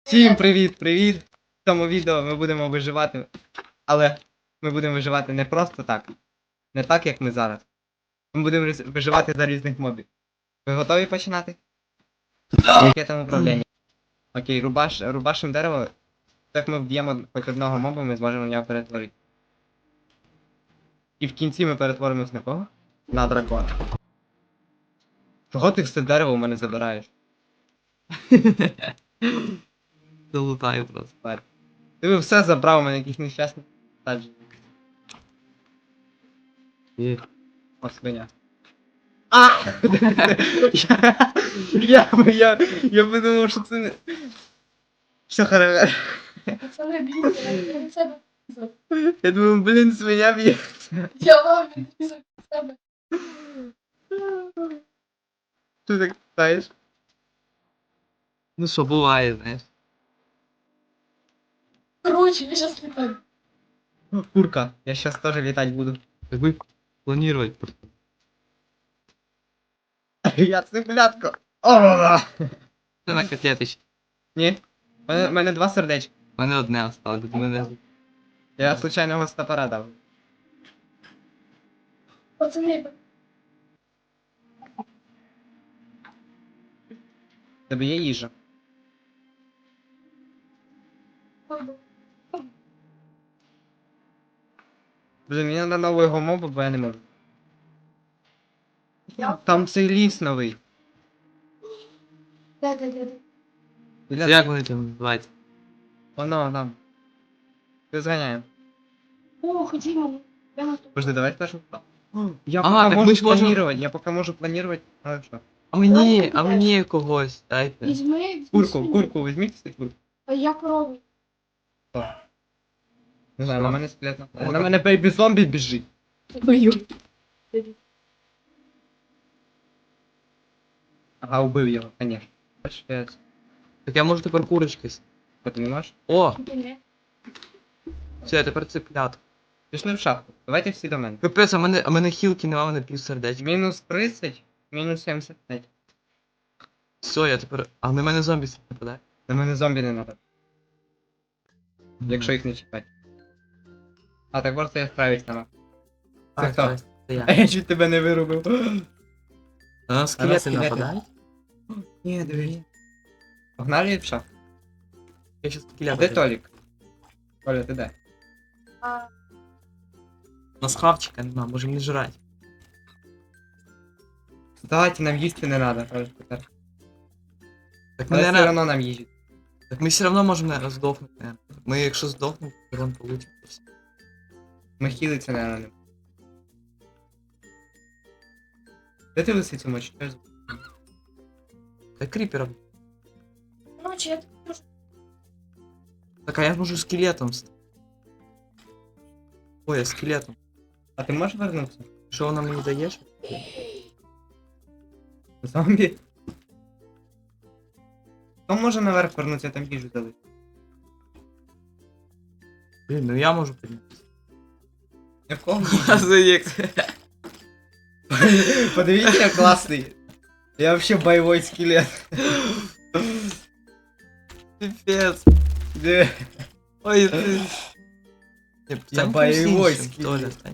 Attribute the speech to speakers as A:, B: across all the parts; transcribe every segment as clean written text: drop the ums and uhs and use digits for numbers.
A: Всім привіт! В цьому відео ми будемо виживати, але ми будемо виживати не просто так. Не так, як ми зараз. Ми будемо виживати за різних мобів. Ви готові починати? Яке там управління? Окей, рубашим дерево. Так ми вб'ємо хоч одного моба, ми зможемо в нього перетворити. І в кінці ми перетворимось на кого? На дракона. Чого ти все дерево у мене забираєш?
B: Залутаю просто.
A: Ти все забрав у мене якийсь нещасний саджень. О, свиня. А! Я подумав, що це не... Все хорошо.
C: Пацаны, бейте, на себе.
A: Я думаю, блін, свиня б'є.
C: Я вам відрізав себе.
A: Ти так питаєш?
B: Ну що, буває, знаєш.
C: Короче, я сейчас летаю.
A: Курка, я щас теж літати буду.
B: Так ви планувати.
A: Я цыплятко. О!
B: Це на котлетич.
A: Ні. У мене два сердечка.
B: У мене одне осталось, до мене.
A: Я случайно гостапара дав.
C: Пацаны,
A: В тебе є їжа. Блін, мені треба нового моба, бо я не можу. Там цей ліс новий.
C: да.
B: Це як вони там називаються?
A: Воно там. Ти зганяємо.
C: О, ходімо. Я на то.
A: Подожди, давай спершу. Я
B: Ага,
A: пока
B: так
A: можу
B: ми ж можемо-
A: планировать, я пока можу планировать. А що?
B: А мені когось, дайте.
C: Візьми.
A: Курку візьміть, кстати, курку.
C: А я корову.
A: Не знаю,
B: Що?
A: на мене стрілять на... На мене бейбі зомбі біжить.
C: Бою.
A: Ага, убив його, конечно. Бачиш,
B: Так я можу тепер курочки.
A: ти не можеш?
B: О, все, я тепер цыплят.
A: Пішли в шахту. Давайте всі до мене.
B: Капець, а мене хілки нема, мене пів сердечка.
A: Мінус 30, мінус 75.
B: Все, я тепер. А на мене зомбі нападає.
A: На мене зомбі не надо, якщо їх не чіпати. А, так просто я справюсь сама. Це хто?
B: Це я.
A: А я чуть тебе не вирубив.
B: А на скелети
A: скелети.
B: нападають?
A: Ні, диви. Погнали в шахту.
B: Я щас
A: А
B: скелети.
A: де Толік? Коля, ти де?
C: А,
B: У нас хавчика нема, можемо не жрати.
A: Кстати, нам їсти не надо, Коля, тепер.
B: Так ми,
A: Але все
B: наверное,
A: одно нам їжі.
B: так ми все одно можемо, наверное, здохнути, наверное. Ми якщо здохнемо, то урон получимо.
A: Ми хілиться, наверное, не. Де ти лисицю мочиш? Що за-
B: Так кріпером.
C: короче, я так можу.
B: Так, а я можу скелетом стати. Ой, я скелетом.
A: А ти можеш вернутися?
B: Що вона мені дає?
A: Зомбі? Хто може наверх вернутися, там їжу дали?
B: Блін, ну я можу піднятися.
A: Якого?
B: Заєкт.
A: Подивіться, я класний. Я вообще бойовий скелет.
B: Пипец.
A: Де?
B: Ой, ти.
A: Я бойовий скелет.
B: Толя, стань.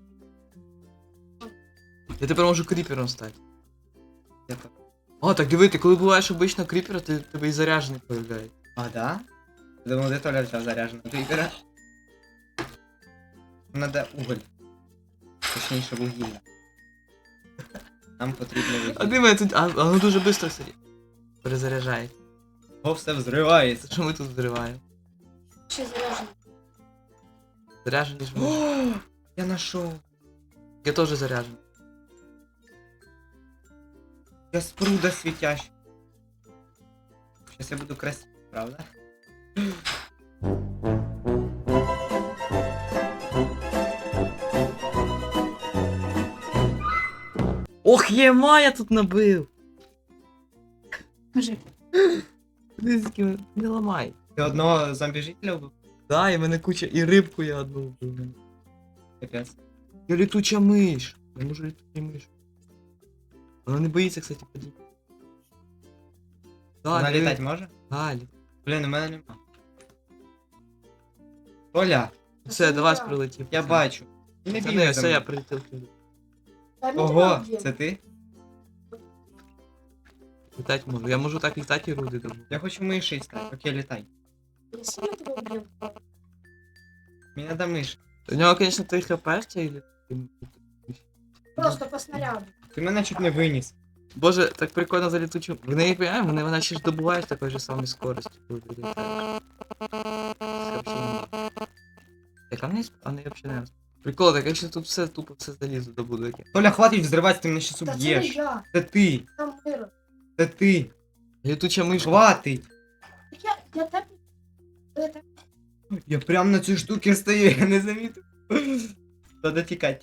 B: Я тепер можу кріпером стати.
A: Я так.
B: О, так диви, ти коли буваєш обично кріпера, ти тебе і заряджений появляється.
A: А, да? Я думал, де Толя взяв зарядженого кріпера. Надо уголь. Точніше, вугілля. Нам потрібно
B: А
A: вугілля.
B: ти мене тут. А воно дуже швидко все перезаряджає.
A: О, все взривається.
B: Що ми тут зриваємо?
C: Ще заряжено.
B: Заряджені ж ми.
A: О, я нашов.
B: Я теж заряджений.
A: Я спруда світяща. Сейчас я буду красивый, правда?
B: Ох, єма, я тут набив!
C: Кажи.
B: Дизки, не ламай.
A: Ти одного зомбі-жителя вбив?
B: Да, і мене куча, і рибку я одну вбив.
A: Капець.
B: Я літуча миш. Я можу літуча миш. Вона не боїться, кстати, падіння. Да,
A: Вона
B: диви.
A: літати може?
B: Да,
A: Блін, у мене нема. Оля,
B: Все, до вас прилетів.
A: я бачу. Не
B: Це
A: бігай
B: не,
A: за
B: все, я
A: мною.
B: прилетів.
A: Ого, це ти?
B: Літати можу. Я можу так літати і руди добу.
A: Я хочу мишей стати. Окей, літай.
C: Я сильно тебе вб'ю.
A: Мені надо миш.
B: У нього, звісно, 3 хп чи...
C: Просто по снаряду.
A: Ти мене чуть не виніс.
B: Боже, так прикольно за літучу. Вони їх понимають, вона ще ж добуває з такою ж самою скоростю, коли ти літаєш. Це вообще не. Так, а вони взагалі не. Прикол, так якщо тут все тупо все залізо добуду яке.
A: Толя, хватить взривати, ти мене щас
C: Та це не
A: уб'єш.
C: я.
A: Це ти.
C: Там миро.
A: Це ти.
B: Літуча мишка.
A: Хватить.
C: Я тебе... Я тебе...
A: Я прям на цій штуці стою, я не замітив. Треба тікай.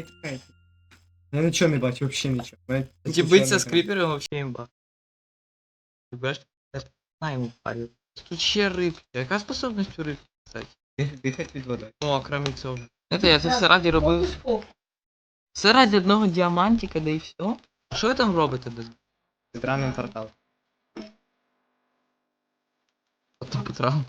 A: Я нічого не бачу, взагалі нічого. Мене
B: Ті
A: тупо
B: биться
A: чорний
B: з кріпером вообще імба. Ти бачиш? На йому парю. Тут ще рибки. Яка способність у рибки, кстати?
A: Дихать від води.
B: О, крім цього. Знаєте, я це все раді робив. Все раді одного діамантика, да і все. Що ви там робите без
A: Центральний портал.
B: Петра?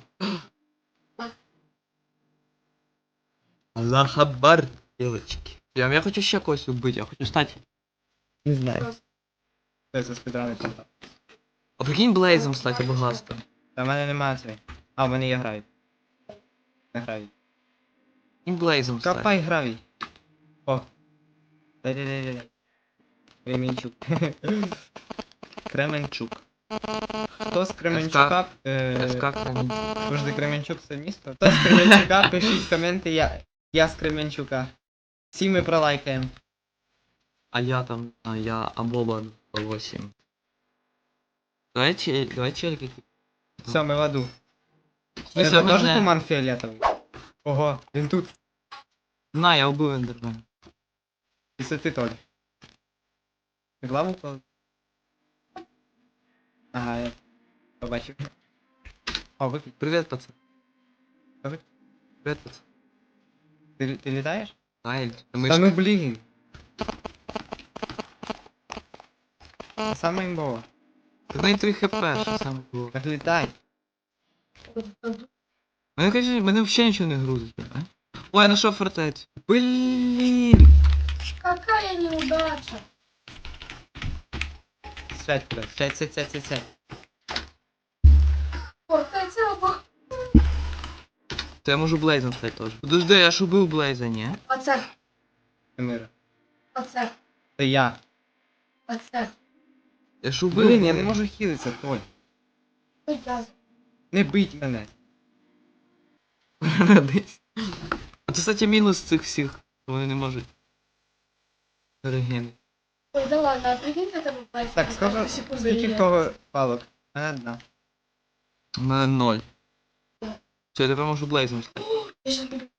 B: Аллах Акбар, девочки. Я хочу ще когось убити, я хочу стати. Не знаю.
A: Це спідраний портал.
B: А прикинь Блейзом стати або Гастом.
A: Та в мене немає цієї. А, в мене є гравій. Не гравій.
B: Прикинь Блейзом стати.
A: Копай гравій. О. Дай. Кременчук. Кременчук. Хто з Кременчука?
B: ФК Кремінь.
A: Завжди Кременчук це місто. Хто з Кременчука, пишіть коменти, я з Кременчука. Всі ми пролайкаємо.
B: А я Абоба 8. Давай челики.
A: Все, ми в аду.
B: Смысле,
A: Це
B: можна-
A: теж туман фіолетовий? Ого, він тут.
B: На, я убив Ендермена.
A: І це ти Толь. Ти главу впав? Ага, я побачив. О, випій.
B: Привет, пацан.
A: Привет.
B: Привет, пацан.
A: Ти літаєш?
B: Ай,
A: Та ну блін. Це саме імбово.
B: Так на 3 хп, що саме було.
A: Так літай.
B: Мене взагалі нічого не грузить, а? Ой, я нашов фортецю. Блін!
C: Какая неудача.
A: Сядь куди. Сядь.
C: Фортеця або...
B: То я можу Блейзом стати теж. Подожди, я ж убив Блейза, ні?
C: Оце.
A: Мира.
C: Оце.
A: Це я.
C: Оце.
B: Я ж убив.
A: Блін, я не можу хілитися, Толь.
C: Ой, я...
A: Не бить мене.
B: Десь. А це, кстати, мінус цих всіх. Що вони не можуть. Регени.
C: Ой, да ладно, а прикиньте тебе пальцем.
A: Так, скільки в кого палок? У мене одна.
B: У мене 0. Все, я тепер можу Блейзом стати.
C: Я щас буду...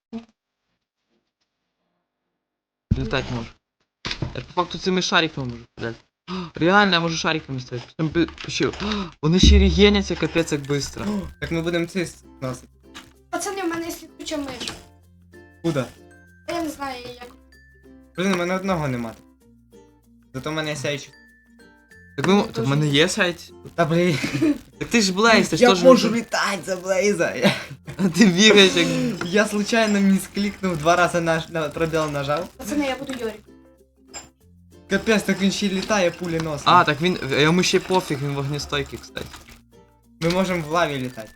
B: Літати можу. Я по факту цими шариками можу стріляти. Реально, я можу шариками стріляти. Там пишив. Вони ще регеняться капець як быстро.
A: Так ми будемо цис носити.
C: Пацани, у мене є сліпуча миш.
A: Куда?
C: Я не знаю, як...
A: Блін, у мене одного нема. Зато в мене є сяючий.
B: Так в мене є сайт.
A: Та блін.
B: Так ти ж Блейз, ти ж
A: Я
B: теж...
A: можу літати за Блейза.
B: А ти бігаєш як...
A: Я случайно місклікнув 2 рази на пробіл нажав.
C: Пацани, я буду Йорик.
A: Капець, так він ще й літає пулі носом.
B: А, так він... Йому ще пофіг, він вогнестойкий, кстати.
A: Ми можемо в лаві літати.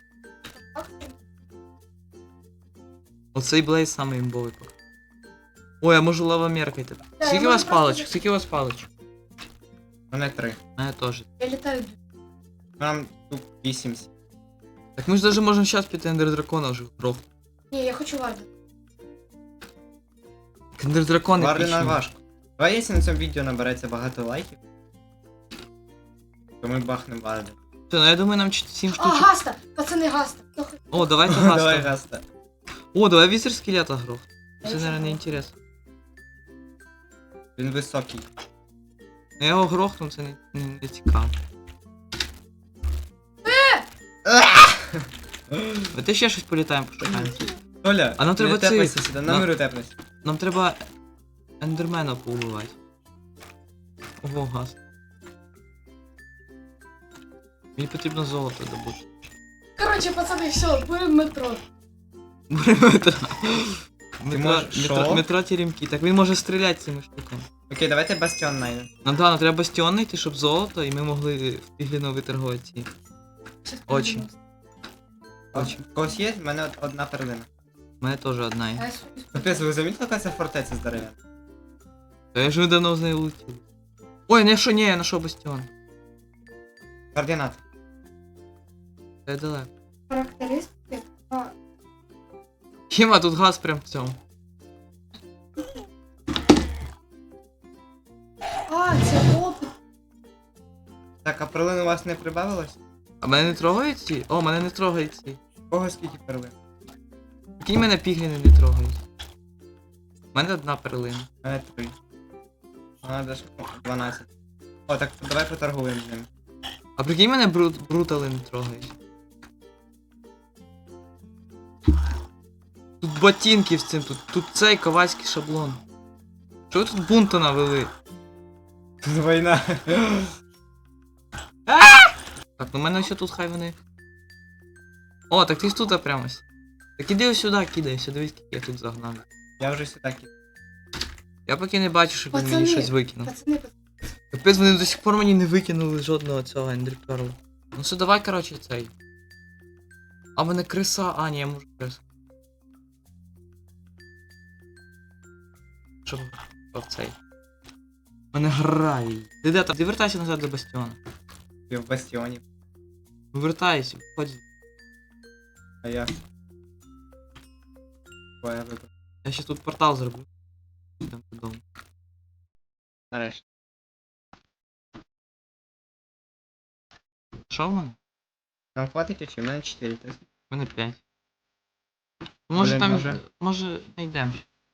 B: Оцей Блейз самий імбовий поки. Ой, я можу лавомеркой тепер.
C: Да,
B: Скільки
C: я
B: у вас
C: можу просто
B: паличок? Скільки у вас паличок?
A: У мене 3.
B: У мене теж.
C: Я літаю.
A: Нам тут 8.
B: Так ми ж даже можемо зараз піти Ендер Дракона вже гров.
C: Ні, я хочу Варди.
B: Ендер Дракон
A: Вардена важко. Давай, якщо на цьому відео набереться багато лайків, то ми бахнемо Варду.
B: Все, ну я думаю, нам 7
C: А,
B: штучок.
C: Гаста! Пацани, Гаста.
B: О, давайте
A: Давай,
B: гаста.
A: Гаста.
B: О, давай візер скелета гров. Це,
C: Я
B: наверное, не
C: забула.
B: інтересно.
A: Він високий.
B: Я його грохну, це не цікаво. Давайте ще щось політаємо, пошукаємо.
A: Толя,
B: А нам треба
A: не тепайся
B: цей-
A: сюди,
B: на-
A: на миру тепайся.
B: Нам треба ендермена поубивати. Ого, газ. Мені потрібно золото добути.
C: Коротше, пацани, все, будемо метро.
B: Метро.
A: можеш що?
B: Метро теремки. Так він може стріляти цими штуками.
A: Окей, давайте бастіон найдемо.
B: Ну да, ну треба бастіон знайти, щоб золото, і ми могли в пігліно виторгувати ці очі. Очі.
A: У когось є? В мене одна перлина.
B: У мене теж одна є.
A: Капець, ви замітили, яка це фортеця здоров'яна?
B: Та я ж вже давно з нею летів. Ой, не що, ні, я знайшов бастіон.
A: Координати.
B: Це далеко.
C: Характеристики.
B: Хіма, тут газ прям в цьому.
C: Це опит.
A: Так, а перлин у вас не прибавилось?
B: А мене не трогають ці? О, мене не трогають ці.
A: У кого скільки перлин?
B: Які мене пігліни не трогають? У мене одна перлина.
A: У мене 3. У мене даже 12. О, так давай поторгуємо з ними.
B: А прикинь, мене брутали не трогають. Тут ботинки в цим, тут цей ковальський шаблон. Що ви тут бунту навели?
A: Тут війна.
B: Так, ну в мене ще тут хай вони. О, так ти ж тут прямо. Так іди ось сюди, кидайся, дивись, скільки я тут загнав.
A: Я вже сюди кидаю.
B: Я поки не бачу, щоб він мені
C: Пацани,
B: щось викинув.
C: Пацани,
B: Капець, вони до сих пор мені не викинули жодного цього ендерперла. Ну все, давай, коротше, цей. А в мене криса, а ні, я можу крису. Що в цей? В мене гравій. Ти де там? Ти вертайся назад до бастіона.
A: Я в бастіоні.
B: Вертайся, виходь.
A: А я. Ой, я вибрав.
B: Я ще тут портал зроблю. Йдемо додому.
A: Нарешті.
B: Що в мене?
A: Нам хватить очі? У мене 4.
B: У мене 5. Може
A: Блін,
B: там.
A: може.
B: Може не йдемо.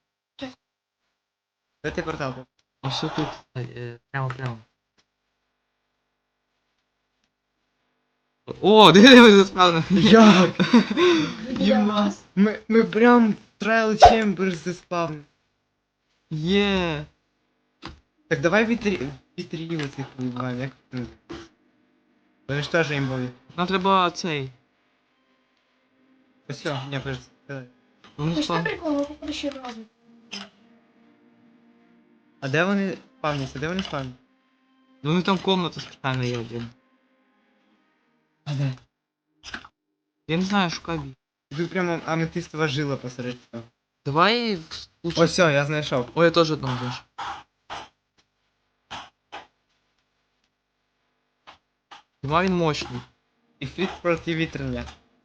A: Де ти портал?
B: Ось що тут. Прямо. О, диви, ми заспавнили.
A: Як?
C: Єма.
A: Ми прям Trial Chambers заспавнили.
B: Є.
A: Так давай вітріли цих вибиваємо, як це називається? Вони ж теж імбові.
B: Нам треба цей.
A: Ось все, не кажется.
B: Ну,
C: Ти ж
B: спав.
C: не прикол, ми поки ще разом.
A: А де вони спавняться? Де вони спавняться?
B: Вони там комната спеціальна є один.
A: А де?
B: Я не знаю, шукай бій.
A: Тут прямо аметистова жила посеред цього.
B: Давай лучше.
A: Ось все, я знайшов.
B: Ой, я теж одного знайшов. Хіба він мощний.
A: І фіт проти вітрення.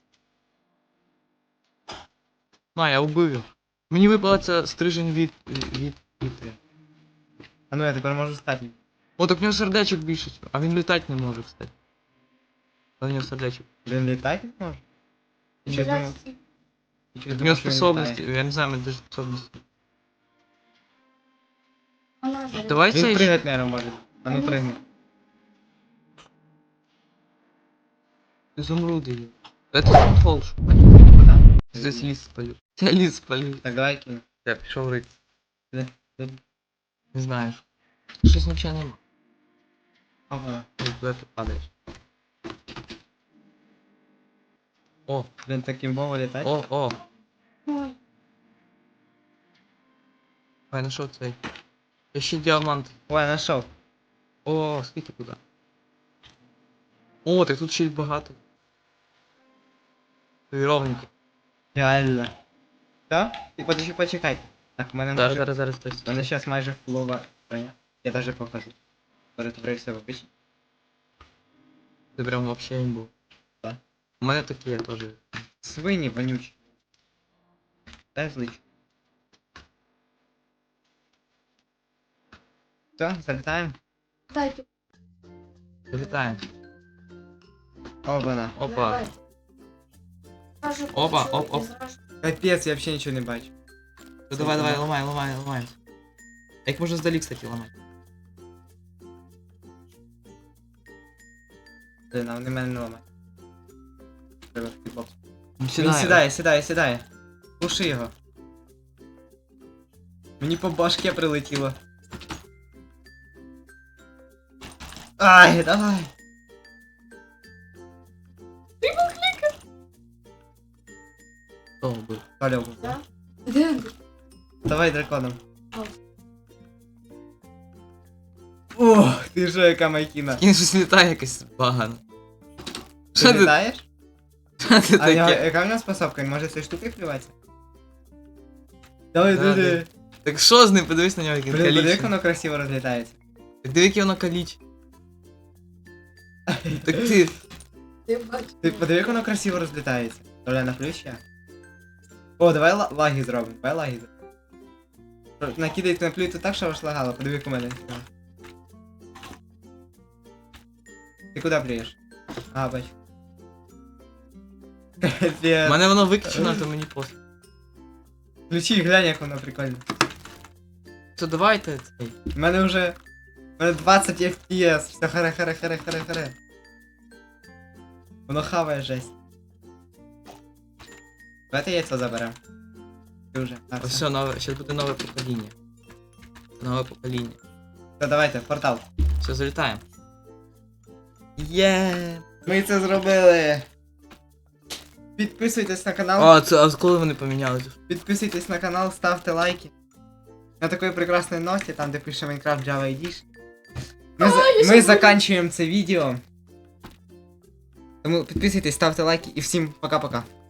B: На, я убив його. Мені випала ця стрижень від вітря.
A: А ну я тепер можу стати.
B: О, так в нього сердечок більше. А він літати не може, кстати. А в нього сердечок.
A: Він літати не може? Я щось думав, я щось
B: В нього
A: думав, що він
B: способності,
A: літає.
B: я не знаю, мене даже способності.
C: Вона зараз.
B: Давай
A: Він
B: цей.
A: пригати, наверное, може. А ну пригни.
B: Изумруди є. Это контрол шукай. Здесь ліс спалю. Я ліс спалю.
A: Так, давай кину.
B: Я пішов рити.
A: Де?
B: Не знаю. Щось нічого нема.
A: Ага.
B: Ой, куди ти падаєш? О,
A: Він таким бово літає.
B: о.
C: Ой,
B: Я знайшов цей. Я ще діамант.
A: Ой, я знайшов.
B: О, скільки туди. О, так тут ще й багато. Ровненько.
A: Реально. Що? Ти почекай. Так, в мене
B: Зараз.
A: У мене зараз майже фулова броня. Я даже покажу. Перетворився в обичний.
B: Ти прям вообще не був.
A: Так.
B: У мене такі я теж.
A: Свині вонючі. Дай злич. Все, залітаємо.
C: дайте.
B: Залітаємо.
A: Опана.
B: Опа.
C: Давай. Зразу
B: Опа,
C: почули,
B: оп.
C: і зразу.
A: Капець, я взагалі нічого не бачу.
B: Ну, давай, ламай. А їх можна здалі, кстати, ламати.
A: Блин, а вони мене не ламають. Треба фітбокс.
B: Ну,
A: Він сідає. Пуши його. Мені по башке прилетіло. Ай, давай.
B: Хто був?
A: Толя був.
C: Да? Де він?
A: Давай драконом.
C: Ау.
A: Ох, ти що, яка майкіна.
B: Він щось літає якось багано. Що
A: Ти
B: ти
A: літаєш?
B: що ти
A: А в нього-
B: таке?
A: яка в нього способка? Він може ці штуки плюватися? Давай,
B: Да,
A: диви.
B: Так що з ним? Подивись на нього, як він
A: Блін, подиви, як
B: калічний.
A: воно красиво розлітається.
B: Так диви, яке воно калічне. Так ти.
C: Ти бачиш?
A: Ти подиви, як воно красиво розлітається. Толя, наплюй ще. О, давай лаги зробимо, давай лаги зробимо. Накидай наплюй тут так, що аж лагало, подиви, як у мене. Ти куди плюєш? А, бач.
B: У
A: Капець.
B: мене воно виключено, то мені пофіг.
A: Включи, глянь, як воно прикольно.
B: Що давайте цей.
A: У мене вже... У мене 20 FPS, все харе. Воно хаває жесть. Давайте яйцо заберем. Ти вже. А,
B: Ось
A: все.
B: все, нове, зараз буде нове покоління. Нове покоління.
A: Все, давайте, в портал.
B: Все, залітаємо. Є.
A: Ми це зробили. Підписуйтесь на канал.
B: А коли вони помінялися?
A: Підписуйтесь на канал, ставте лайки. На такой прекрасной ноте, там де пише Minecraft Java Edition. Ми заканчуємо це відео. Тому підписуйтесь, ставте лайки і всім пока-пока.